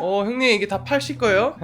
형님 이게 다 팔실 거예요?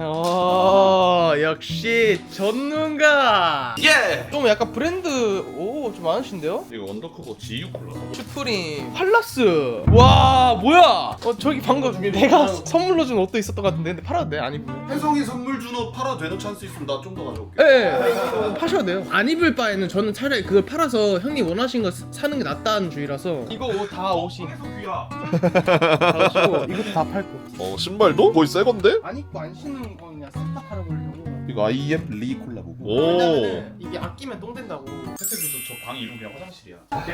역시 전문가. 예! 좀 약간 브랜드 좀 많으신데요? 이거 원더커버 G6 콜라. 슈프림, 팔라스. 와 뭐야? 저기 방금 내가 선물로 준 옷도 있었던 것 같은데 근데 팔아도 돼? 안 입으면? 혜성이 선물 준 옷 팔아도 되는 찬스 있으면 나 좀 더 가져올게. 네, 파셔도 돼요. 안 입을 바에는 저는 차라리 그걸 팔아서 형님 원하신 거 사는 게 낫다는 주의라서. 이거 옷 다 옷이 귀야. 다 옷이고 이것도 다 팔고. 신발도? 거의 새 건데? 안 입고 안 신는 거 그냥 싹 다 팔아버리려고. 이거 IM 리 콜라보고. 왜냐면은 이게 아끼면 똥 된다고. 혜택도 저방 이름 그냥 화장실이야.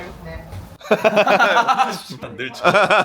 재밌네. 늘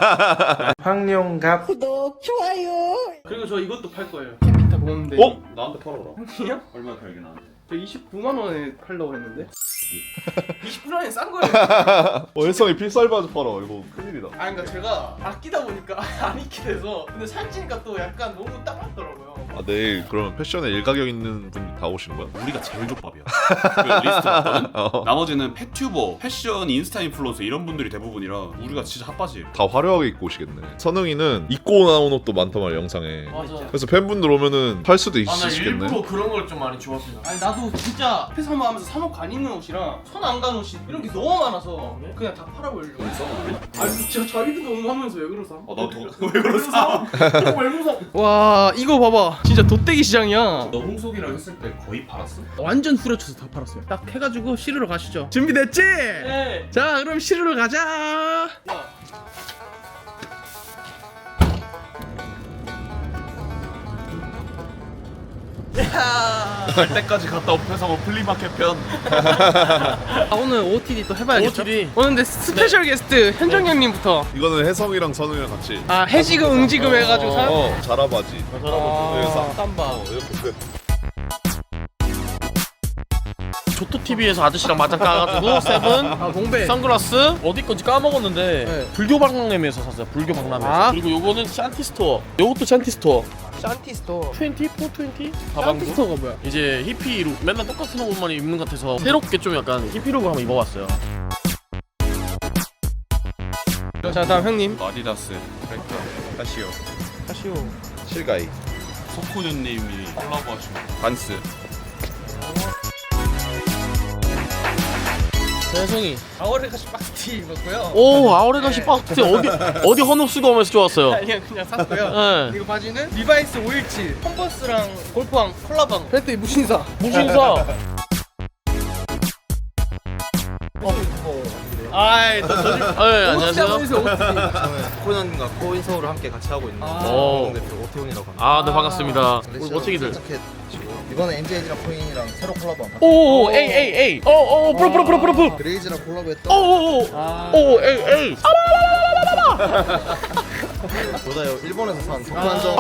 황룡갑. 그리고 저 이것도 팔 거예요. 캐피타 보는데. 나한테 팔아라. 형이요? 얼마 팔게 나한테? 저 29만 원에 팔려고 했는데. 29만 원이 싼 거예요. 혜성이 필살바지 팔아. 이거 큰일이다. 그러니까 제가 아끼다 보니까 안 입게 돼서. 근데 살찌니까 또 약간 너무 딱 맞더라고요. 내일 그러면 패션에 일가격 있는 분이 다 오시는 거야? 우리가 제일 족밥이야. 그 리스트 봤거든? 나머지는 펫튜버, 패션, 인스타 인플루언서 이런 분들이 대부분이라 우리가 진짜 핫바지예요. 다 화려하게 입고 오시겠네. 선웅이는 입고 나온 옷도 많단 말이야 영상에. 맞아. 그래서 팬분들 오면은 팔 수도 나 있으시겠네. 일부러 그런 걸 좀 많이 좋아했어요. 아니 나도 진짜 회사 하면서 사놓고 안 입는 옷이랑 손 안 가는 옷이 이런 게 너무 많아서 그냥 다 팔아버리려고. 아니 진짜 자기도 너무 하면서 왜 그러사? 왜 그러사? 왜 그러사? 와 이거 봐봐. 진짜 돗대기 시장이야. 너 홍석이랑 했을 때 거의 팔았어? 완전 후려쳐서 다 팔았어요. 딱 해가지고 시르러 가시죠. 준비됐지? 네. 자 그럼 시르러 가자. 갈 때까지 갔다 온 회사고 플리마켓 편. 오늘 OOTD 또 해봐야겠죠? OOTD. 오늘 근데 스페셜 게스트 현정 형님부터. 이거는 혜성이랑 선웅이랑 같이. 해지금 응지금 해가지고 사. 자라바지. 자라바지. 쌈바. 이렇게 끝. 조토TV에서 아저씨랑 맞짱 까가지고 세븐 봉배. 선글라스 어디 건지 까먹었는데 네. 불교 박람회에서 샀어요. 불교 박람회에서. 아. 그리고 요거는 샨티스토어. 요것도 샨티스토어. 샨티스토어. 20? 420? 가방도 샨티스토어가 뭐야? 이제 히피룩 맨날 똑같은 옷만 입는 것 같아서 새롭게 좀 약간 히피룩을 한번 입어봤어요. 자 다음 형님. 아디다스, 트랙터, 카시오, 카시오. 실가이. 소쿠누님이 콜라보하신 반스. 세상이. 아오레가시 박스티 입었고요. 오 아우레가시 박스 어디 헌옷수거 하면서 좋았어요. 그냥 샀고요. 네. 이거 바지는 리바이스 517 컨버스랑 골프왕 콜라방 벨트 무신사. 무신사. 아이 안녕하세요. 코난과 코인서울을 함께 같이 하고 있는 오. 공대표 오태훈이라고 합니다. 네 반갑습니다. 우리 멋지기들. 이번에 NGN이랑 코인이랑 새로 콜라보한 오오 에이 프로 그레이즈랑 콜라보했던 오오오 에이 보다요 일본에서 산 독한정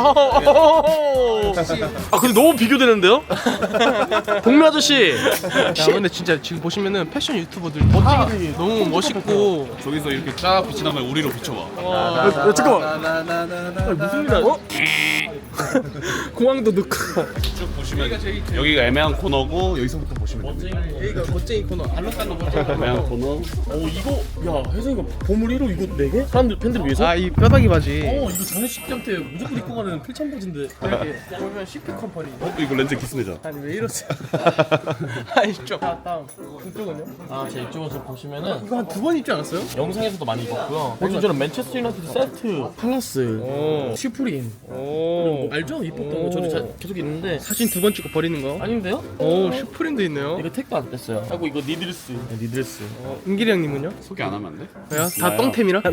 아 근데 너무 비교되는데요? 동미 아저씨. 야 근데 진짜 지금 보시면은 패션 유튜버들 멋지게 너무 멋있고. 저기서 이렇게 쫙 빛이 나면 우리로 비춰봐. 잠깐만. 무슨 일 하죠? 공항도 넣고. 쭉 보시면 여기가 애매한 코너고 여기서부터 보시면 됩니다. 여기가 멋쟁이 코너. 알록달록 멋쟁이 애매한 코너. 오 이거 야 혜성이가 보물 1호 이거 4개? 사람들 팬들 위해서? 아이 뼈다귀 바지. 이거 장례식장 때 무조건 입고 가는 필참 바지인데. 이렇게 보면 CP 컴퍼니. 이거 렌즈 기스내자. 아니 왜 이러세요? 아니 좀. 자 다음. 이쪽은요? 제 이쪽에서 보시면은 이거 한 두 번 입지 않았어요? 영상에서도 많이 입었고요. 요즘 저는 맨체스터 유나이티드 세트, 팔라스, 슈프림. 오. 알죠? 입었던 거 저도 계속 있는데 사진 두 번 찍고 버리는 거. 아닌데요? 오 슈프림도 있네요. 이거 택도 안 뺐어요. 하고 이거 니드레스. 니드레스. 은길이 형님은요? 소개 안 하면 안 돼? 왜요? 다 똥템이라?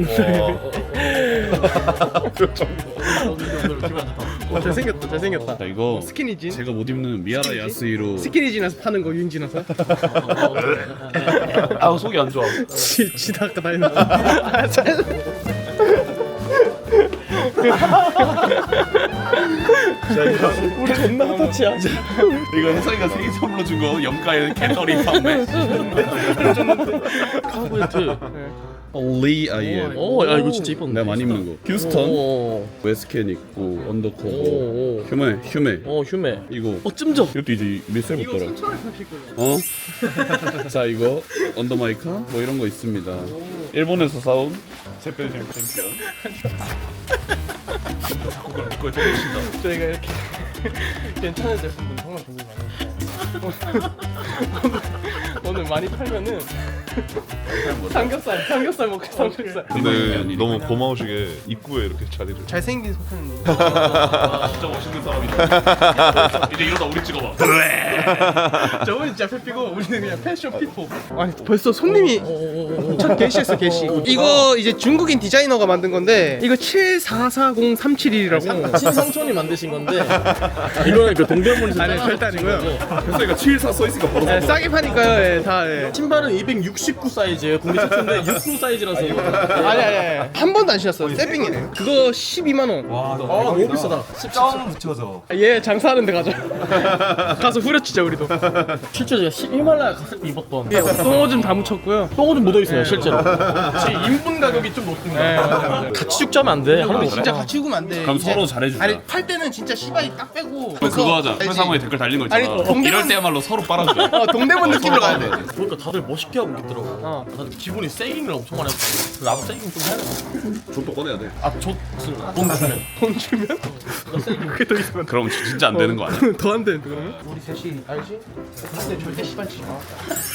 잘생겼다 잘생겼다. 자 이거 스키니진. 제가 못 입는 미아라 야스이로. 스키니진에서 파는 거 유인진에서. 아 속이 안 좋아. 지다 아까 다 했는데. 우리 존나 핫하치야. 이거 혜성이가 생일 선물로 준 거 염가의 캘러리 판매. 카보이트. 리 아이엠. 야 이거 진짜 이뻤네. 내가 많이 입는 거. 휴스턴, 웨스켄 있고 언더커버, 휴메. 휴메. 이거 찜적. 이것도 이제 몇살 이거 붙더라. 3,000원 파실 거예요. 자 이거 언더마이카 뭐 이런 거 있습니다. 일본에서 사온 챔피언. 그걸 조금씩 저희가 이렇게 괜찮은 제품은 정말 고생 많아요. 오늘 많이 팔면은 삼겹살 먹고 삼겹살. 근데 너무 고마우시게 입구에 이렇게 자리를. 잘생긴 소편님. 진짜 멋있는 사람이다. 이제 이러다 우리 찍어봐. 저분이 진짜 페피고 우리는 그냥 패션 피포. 아니 벌써 손님이 첫 게시했어 게시. 이거 이제 중국인 디자이너가 만든 건데 이거 744037이라고. 신상촌이 만드신 건데 이거는 그 동대문에서 아니 절대 아니고요. 그래서 이거 74 써있으니까 바로 네, 싸게 파니까요. 예, 다. 예. 신발은 269 사이즈예요. 국내 최초인데 69 사이즈라서 아니 한 번도 안 신었어. 세빙이네. 그거 12만 원. 너무 비싸다. 점 붙여서. 얘 장사하는 데 가자. 가서 후려치자 우리도. 실제 제가 히말라야 갔을 때 입었던 예, 똥오줌 다 묻혔고요. 똥오줌 묻어 있어요 실제로. 지금 인분 가격이 좀 높습니다. 네, 맞아요. 같이 죽자면 안 돼. 하는 근데 거 진짜 같이 죽으면 안 돼. 그럼 이제- 서로 잘해주자. 아니 팔 때는 진짜 시바이 딱 빼고. 그럼 그거 하자. 알지? 회사모에 댓글 달린 거 있잖아. 아니, 동대문- 이럴 때야말로 서로 빨아줘. 동대문 느낌으로 가야 돼. 보니까 다들 멋있게 하고 있더라고. 다들 기분이 세깅을 엄청 많이 했어. 나도 세깅 좀 해야 돼. 좀더 꺼내야 돼. 돈 주면. 돈 주면? 그게 더 있으면 그럼 진짜 안 되는 거 아니야? 더 안 되는데 그러면? 우리 셋이 알지? 근데 절대 시발 치지 마.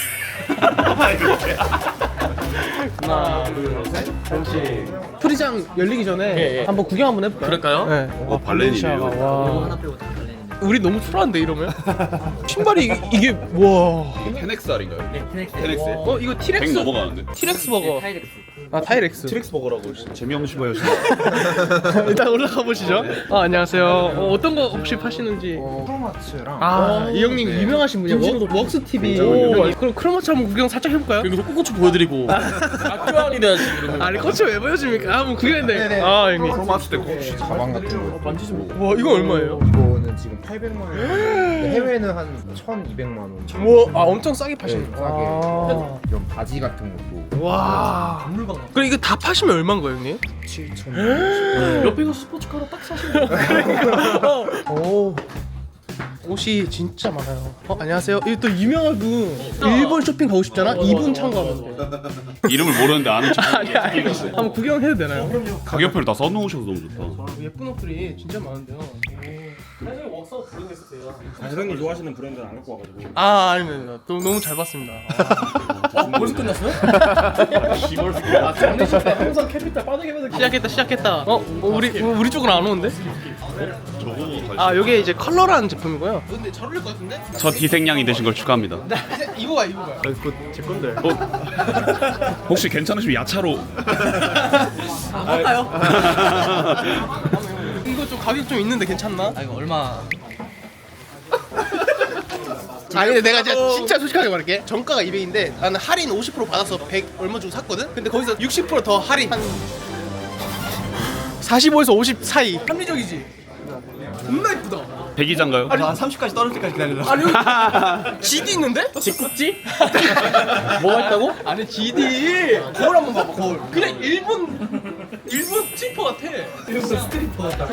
하나 둘셋 잠시 프리장 열리기 전에 예, 예. 한번 구경 한번 해볼까요? 그럴까요? 네. 발렌시아가. 와. 우리 너무 초라한데 이러면? 신발이 이게 와. 페넥살인가요? 페넥스. 어 이거 100 티렉스 넘어가는데? 티렉스 버거. 아 타이렉스. 트릭스 버거라고 재미없으셔. 일단 올라가 보시죠. 안녕하세요. 어떤 거 혹시 파시는지? 크로마츠랑 이 형님 유명하신 분이요. 웍스 TV. 그럼 크로마츠 한번 구경 살짝 해볼까요? 여기서 꽃꽃이 보여드리고 학교안이 돼야지 이러면. 아니 꽃을 왜 보여줍니까? 한번 구경했는데. 아 형님. 크로마스 때 혹시 가방 같은 거. 만지지 뭐. 와 이거 얼마예요? 이거는 지금 800만 원. 해외는 한 1,200만 원. 와, 엄청 싸게 파시네. 네, 싸게. 이런 바지 같은 것도 와. 그럼 이거 다 파시면 얼마인 거예요, 형님? 7,000원. 옆에 가 스포츠카로 딱 사시는 거. 오. 옷이 진짜 많아요. 안녕하세요. 이거 또 유명한 분. 일본 쇼핑 가고 싶잖아? 이분 참고하면 돼. 이름을 모르는데 아는 척. 아니, 알겠어. 한번 구경해도 되나요? 가격표를 다 써놓으셔서 너무 좋다. 예쁜 옷들이 진짜 많은데요. 사실 웍서 부르겠어요. 회장님 좋아하시는 브랜드는 안 갖고 와가지고 아닙니다. 너무 잘 봤습니다. 벌써 끝났어요? 장례식 때 항상 캐피탈 빠르게 시작했다. 우리 쪽은 안 오는데? 아, 요게 이제 컬러라는 제품이고요. 근데 잘 어울릴 것 같은데? 저 디생량이 되신 걸 축하합니다. 입어봐. 제 건데 혹시 괜찮으시면 야차로. 할까요? 이거 좀 가격 좀 있는데 괜찮나? 아 이거 얼마? 아 근데 내가 진짜 솔직하게 말할게. 정가가 200인데 나는 할인 50% 받아서 100 얼마 주고 샀거든? 근데 거기서 60% 더 할인 한 45에서 50 사이. 합리적이지? 겁나 이쁘다. 백이장가요? 한 30까지 떨어질 때까지 기다리라. 아니 여기 GD 있는데? 직국지? 뭐가 있다고? 아니 GD 거울 한번 봐봐. 거울 그냥 일본 스트리퍼 같아. 일본 스트리퍼 같다.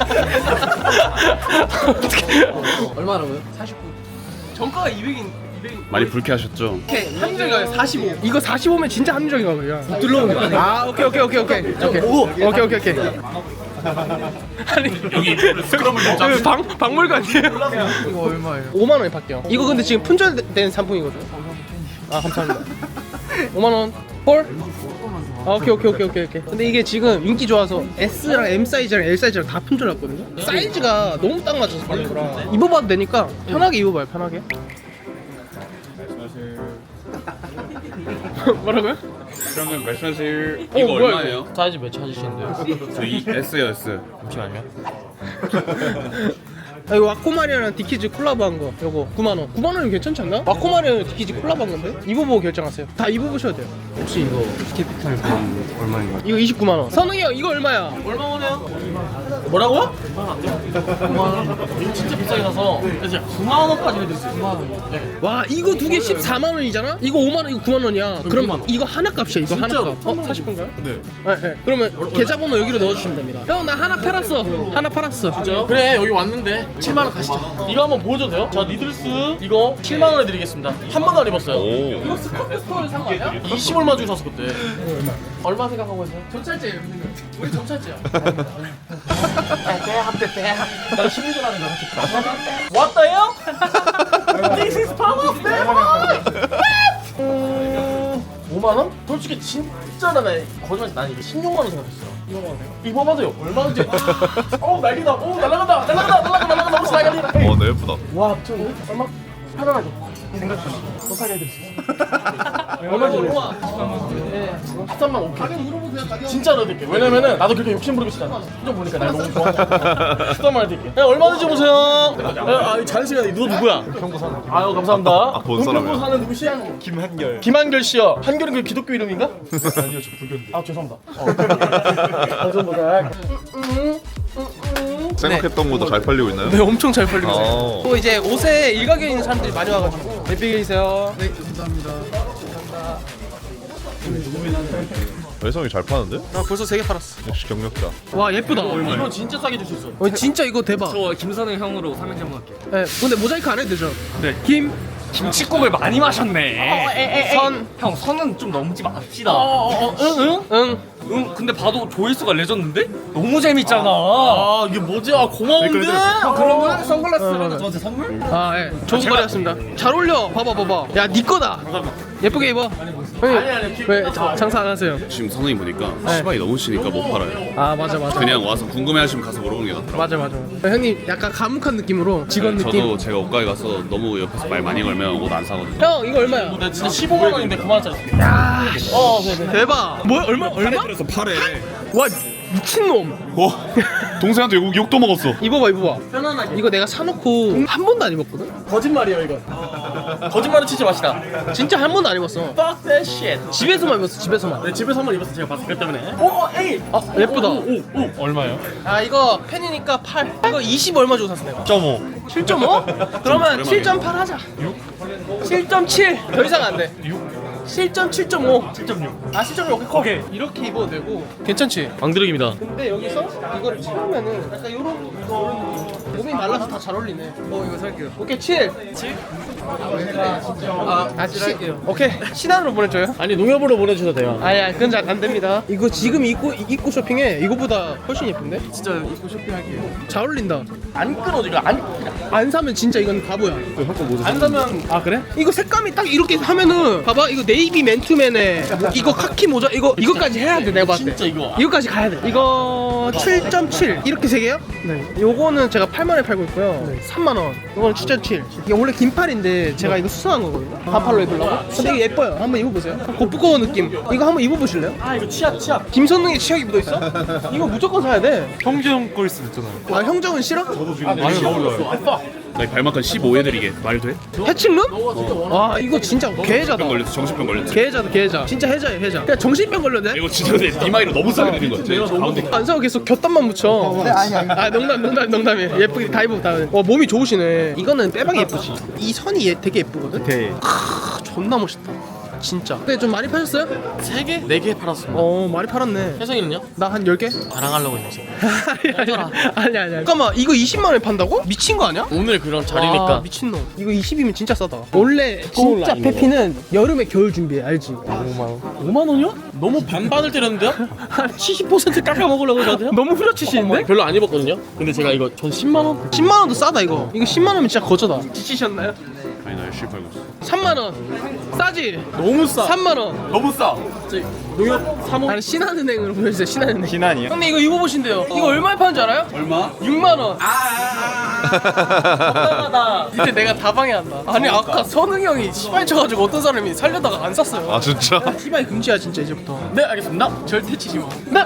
얼마라고요? 49. 정가가 200인. 많이 불쾌하셨죠? 오케이 합리적인 가격 45. 이거 45면 진짜 합리적인 가격이야. 들러오는 거 아니야? 아 오케이. 아니 여기 스크럼을 좀 잡으시죠. 박물관이에요? 이거 얼마예요? 5만 원에 팔게요. 이거 근데 지금 품절된 상품이거든. 아 감사합니다. 5만 원. 홀? 아, 오케이. 근데 이게 지금 인기 좋아서 S랑 M 사이즈랑 L 사이즈랑 다 품절났거든요. 사이즈가 너무 딱 맞춰서 받는 거라 입어봐도 되니까 편하게 입어봐요. 편하게. 뭐라고요? 그러면 말씀하실 이거 뭐야, 얼마예요? 사이즈 몇 찾으시는데요? 저 S요 S. 잠시만요. 아, 이거 와코마리아랑 디키즈 콜라보한 거 요거 9만 원. 9만 원이면 괜찮지 않나? 와코마리아랑 디키즈 콜라보한 건데? 입어보고 결정하세요. 다 입어보셔도 돼요. 혹시 이거 캐피탈 얼마인가? 이거 29만 원. 선웅이 형 이거 얼마야? 얼마 원해요? 뭐라고요? 9만 원. 이거 진짜 비싸게 사서 그래서 9만 원까지 해드렸어요. 9만 원. 네. 와 이거 두 개 14만 원이잖아? 이거 5만 원, 이거 9만 원이야. 그럼 9만 원. 이거 하나 값이야. 이거 하나 진짜로? 값. 사실 건가요? 네. 그러면 계좌번호 여기로 넣어주시면 됩니다. 형 나 하나 팔았어. 하나 팔았어. 진짜요? 그래 여기 왔는데 7만 원 가시죠. 이거 한번 보여줘도 돼요? 저 니들스 이거 7만 원에 드리겠습니다. 한 번도 안 입었어요. 오. 이거 스커트 스토어에 산 거 아니야? 25만 얼마 주고 샀어 그때? 얼마 생각하고 있어요? 전찰제예요. 우리 전찰제야. 나 심리전 하는 거야. What the hell? This is power of devil. 5만 원? 솔직히 진짜 나 거짓말 난 이거 16만 원 생각했어. 이거 봐도요. 얼마인지. 난리다. 날라간다. 혹시 날리다. 네 예쁘다. 와, 저 얼마? 편안하게 생각해. 더 사게 해드릴 수 있어. 얼마 정도? 네, 13만 5천. 진짜로 해드릴게. 왜냐면은 나도 그렇게 욕심 부리고 싶잖아. 좀 보니까 날 너무 좋아. 13만 해드릴게. 야, 얼마든지 보세요. 자는 시간에 너 누구야? 은평구 사는. 아유, 감사합니다. 본 사람이야. 은평구 사는 누구시야? 김한결. 김한결 씨요. 한결은 그 기독교 이름인가? 아니요, 저 불교인데. 아, 죄송합니다. 감사합니다. 생각했던 것도 잘 팔리고 있나요? 네, 엄청 잘 팔리고 있어요. 어. 또 이제 옷에 일가견 있는 사람들이 많이 와가지고 예쁘게 계세요. 네, 외성이 잘 파는데? 나 벌써 3개 팔았어. 역시 경력자. 와 예쁘다. 이거 진짜 싸게 줄 수 있어. 진짜 이거 대박. 저 김선웅 형으로 삼행시 한번 할게요. 네, 근데 모자이크 안 해도 되죠? 네. 김, 김치국을 많이 마셨네. 선, 형 선은 좀 넘지 맙시다. 응. 응, 근데 봐도 조회수가 레전드인데? 너무 재밌잖아. 아, 이게 뭐지? 아, 고마운데? 형 그러면 선글라스라도 저한테 선물? 아, 예. 좋은 거리였습니다. 잘 어울려. 봐봐. 야, 네 거다. 예쁘게 입어. 아니, 왜 장사 안 하세요? 지금 선생님 보니까 시바이 너무 치니까 못 팔아요. 아, 맞아. 그냥 와서 궁금해하시면 가서 물어보는 게 낫더라고요. 맞아. 형님 약간 감옥한 느낌으로 직원 네, 느낌. 저도 제가 옷가게 가서 너무 옆에서 말 많이 걸면 옷 안 사거든요. 형, 이거 얼마야? 나 진짜 15만 원인데 9만 원짜리. 네네. 대박. 뭐야? 얼마? 그래서 팔에. 와, 미친놈. 동생한테 욕도 먹었어. 입어봐. 편안하게. 이거 내가 사놓고 한 번도 안 입었거든? 거짓말이에요, 이거. 거짓말은 치지 마시다. 진짜 한 번도 안 입었어. Fuck that shit. 집에서만 입었어, 집에서만. 내 집에서만 입었어, 제가 봤을 때 때문에. 에이! 아, 예쁘다. 얼마요? 아, 이거 팬이니까 8. 이거 20 얼마 주고 샀어, 내가. 0.5. 7.5? 그러면 7.8 하자. 7.7. 더 이상 안 돼. 7.7.5. 7.6. 아, 7.6. 오케이. 이렇게 입어도 되고. 괜찮지? 왕드럭입니다. 근데 여기서 이거를 채우면은 약간 요런 몸이 말라서 다 잘 어울리네. 이거 살게요. 오케이, 7. 7? 칠할게요. 오케이. 신한으로 보내줘요. 아니, 농협으로 보내주셔도 돼요. 아야, 그건 잘 안 됩니다. 이거 지금 입고 쇼핑해. 이거보다 훨씬 예쁜데? 진짜 입고 쇼핑할게요. 잘 어울린다. 안 끊어져, 이거 안 사면 진짜 이건 바보야. 안 사면. 아, 그래? 이거 색감이 딱 이렇게 하면은 봐봐, 이거 네이비 맨투맨에 이거 카키 모자 이거까지 해야 돼. 내가 봤을 때 진짜 이거. 이거까지 가야 돼. 이거 7.7 이렇게 세 개요? 네. 요거는 제가 8만 원에 팔고 있고요. 3만 원. 이거는 7.7. 이게 원래 긴팔인데 제가 이거 수선한 거거든요. 반팔로 입으려고. 근데 이게 예뻐요. 한번 입어보세요. 고프꺼워 느낌. 이거 한번 입어보실래요? 아, 이거 치약. 김선웅의 치약이 묻어 있어? 이거 무조건 사야 돼. 형제형 거 있으면 있잖아요. 아, 형정은 싫어? 아니 어울려요. 나 발막한 15 해드리게 말 돼? 해칭룸? 아, 이거 진짜 개해자다. 병 걸렸어. 정신병 걸렸어. 개해자. 진짜 해자예요, 해자. 그냥 정신병 걸렸네. 이거 진짜 근데 니마이로 너무 싸게 드린 거 같아. 가운데. 안 사고 계속 곁단만 묻혀. 아, 농담이에요. 예쁘게 다 입어 다. 몸이 좋으시네. 이거는 빼박이 예쁘지. 이 선이 되게 예쁘거든. 네. 존나 멋있다. 진짜. 근데 좀 많이 파셨어요? 3개? 4개 팔았습니다. 많이 팔았네. 혜성이는요? 나 한 10개? 자랑하려고 했어. 아니야. 잠깐만, 이거 20만 원에 판다고? 미친 거 아니야? 오늘 그런 자리니까. 아, 미친놈. 이거 20이면 진짜 싸다. 원래 진짜 페피는 여름에 겨울 준비해, 알지? 5만 원이요? 너무 반반을 때렸는데요? 한 70% 깎아 먹으려고 저한테요? 너무 후려치시는데? 별로 안 입었거든요? 근데 제가 이거 전 10만 원? 10만 원도 싸다 이거. 이거 10만 원이면 진짜 거저다. 지치셨나요? 아니 나 열심히 팔고 있어. 3만 원. 싸지? 너무 싸. 3만 원. 너무 싸. 농협 3호. 아니, 신한은행으로 보내주세요. 신한은행. 신한이요? 형님 이거 입어보신대요. 이거 얼마에 파는지 알아요? 얼마? 6만 원. 적당하다. 이제 내가 다 방해한다. 아니, 아까 선웅이 형이 시발 쳐가지고 어떤 사람이 살려다가 안 샀어요. 아 진짜? 시발 금지야 진짜 이제부터. 네, 알겠습니다. 절대 치지 마. 네.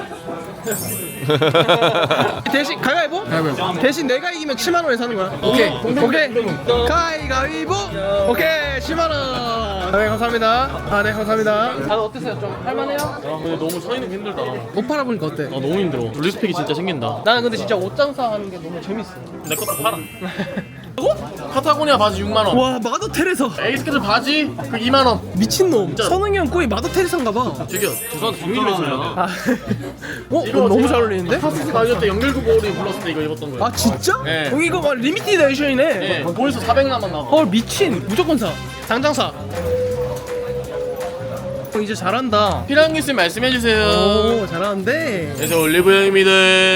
대신 가위바위보? 대신 내가 이기면 7만 원에 사는 거야. 오케이. 가위바위보. 오케이. 7만 원. 네, 감사합니다. 네, 감사합니다. 다들 어땠어요? 좀 할만해요? 아, 근데 너무 서 있는 게 힘들다. 옷 팔아보니까 어때? 너무 힘들어. 리스펙이 진짜 생긴다. 나는 근데 진짜 옷 장사하는 게 너무 재밌어. 내 것도 팔아. 파타고니아 바지 6만 원. 와, 마더 테레사. 에이스케줄 바지 그 2만 원. 미친놈. 선웅이 형 거의 마더 테레사인가 봐. 저기요. 죄송한데 비밀로 해줘야 돼. 아, 너무 잘 어울리는데? 파스스 가이드 때 연결구보리 불렀을 때 이거 입었던 거예요. 아, 진짜? 네. 여기 이거 막 리미티드 에디션이네. 네. 보에서 400 남았나 봐. 헐, 미친. 무조건 사. 당장 사. 이제 잘한다. 필요한 게 있으면 말씀해주세요. 오 잘하는데. 그래서 올리브영입니다.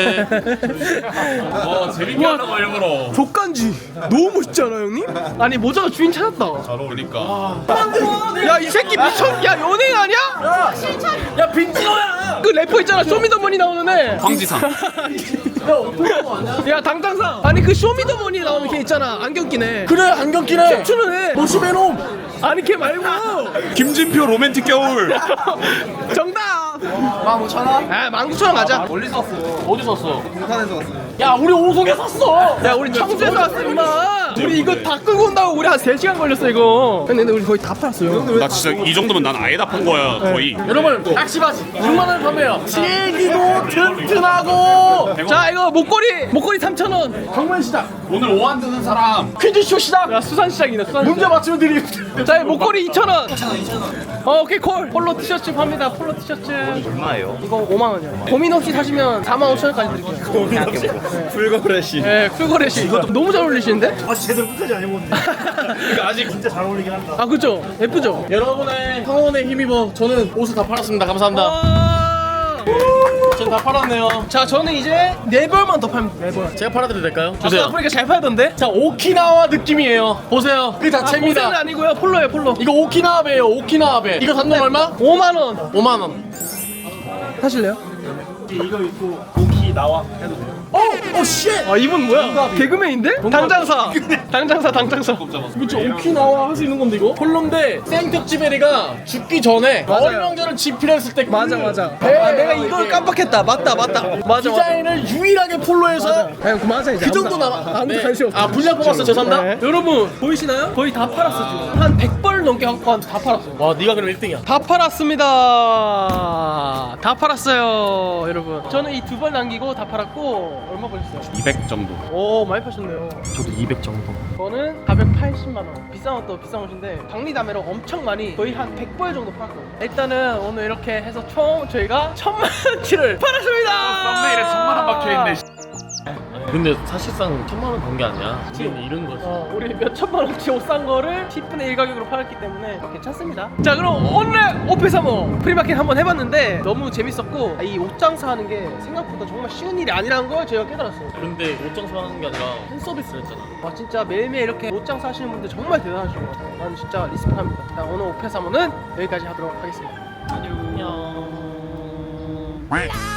재밌게 하려고 일부러. 족간지 너무 멋있지 않아 형님? 아니 모자가 주인 찾았다. 그러니까 야 이 새끼 미쳤. 야 연예인 아니야? 야 빈지노야. 그 래퍼 있잖아 쇼미더머니 나오는 애. 황지상. 야 당장상. 아니 그 쇼미더머니 나오는 걔 있잖아 안경 끼네. 그래 안경 끼네. 추는 애. 모시베놈. 아니 걔 말고. 김진표 로맨틱 겨울. 정답. 15,000원? 아 19,000원 가자. 멀리 샀어. 어디 샀어? 부산에서 왔어요. 야 우리 오송에 샀어. 야 우리 청주에서 왔어 임마. 우리 이거 다 끌고 온다고 우리 한 3시간 걸렸어 이거. 근데 우리 거의 다 팔았어요. 나 진짜 이 정도면 난 아예 다 판 거야 거의. 여러분 낚시바지 6만원 판매요. 질기고 튼튼하고. 자 이거 목걸이 3,000원. 경만시장 오늘 오한 드는 사람. 퀴즈쇼 시장. 야 수산시장이네 수산시장. 문제 맞추면 드림. 자 목걸이 2,000원. 2,000원. 오케이 콜. 폴로 티셔츠 팝니다. 폴로 티셔츠. 얼마예요? 이거 5만 원이요. 고민 없이 사시면 45,000원까지 드릴게요. 고민 없이. 풀거래시. 네, 쿨거래시. 이것도 너무 잘 어울리시는데? 아직 제대로 끝까지 안 해보는데. 아직 진짜 잘 어울리긴 한다. 아 그죠? 예쁘죠? 여러분의 성원에 힘입어 저는 옷을 다 팔았습니다. 감사합니다. 아~ 저는 다 팔았네요. 자 저는 이제 4벌만 더 팔면 4벌. 제가 팔아드려도 될까요? 아까 주세요. 보니까 잘 팔던데? 자 오키나와 느낌이에요. 보세요. 그 보세는 자체입니다. 아니고요 폴로예요 폴로. 이거 오키나와 배예요. 오키나와 배. 이거 단돈 얼마? 5만 원. 5만 원. 사실래요? 이거 입고 오키 나와 해도 돼요. 오 쉣. 아 이분 뭐야? 개그맨인데? 당장사. 당장사. 그쵸 오키나와 할 수 있는 건데 이거? 폴로인데 생특집에리가 죽기 전에 맞아요. 어명절을 집필했을 때 맞아. 그 아 내가 이걸 깜빡했다. 맞다. 맞아. 디자인을 유일하게 폴로에서 아니 그만하자 이제. 그 정도 아무도 남아. 아무도 관심 없어. 아 분량 뽑았어. 죄송합니다. 네. 여러분 보이시나요? 거의 다 팔았어 지금. 한 100벌 넘게 갖고 다 팔았어. 와 네가 그럼 1등이야. 다 팔았습니다. 다 팔았어요, 여러분. 저는 이 2벌 남기고 다 팔았고 얼마 벌었어요? 200 정도. 오, 많이 파셨네요. 저도 200 정도. 저는 480만 원. 비싼 것도 비싼 것인데 박리담회로 엄청 많이 거의 한 100벌 정도 팔았거든요. 일단은 오늘 이렇게 해서 총 저희가 1,000만 원치를 팔았습니다. 썸네일에 1000만 원 박혀있네. 근데 사실상 1,000만 원 번 게 아니야. 지금 잃은 거지. 우리 몇 천만 원치 옷 산 거를 10분의 1 가격으로 팔았기 때문에 괜찮습니다. 자, 그럼 오늘 오페사모 프리마켓 한번 해봤는데 너무 재밌었고 이 옷 장사하는 게 생각보다 정말 쉬운 일이 아니라는 걸 제가 깨달았어요. 근데 옷 장사하는 게 아니라 팬 서비스를 했잖아. 와 진짜 매일매일 이렇게 옷 장사 하시는 분들 정말 대단하신 것 같아요. 난 진짜 리스펙합니다. 자, 오늘 오페사모는 여기까지 하도록 하겠습니다. 안녕.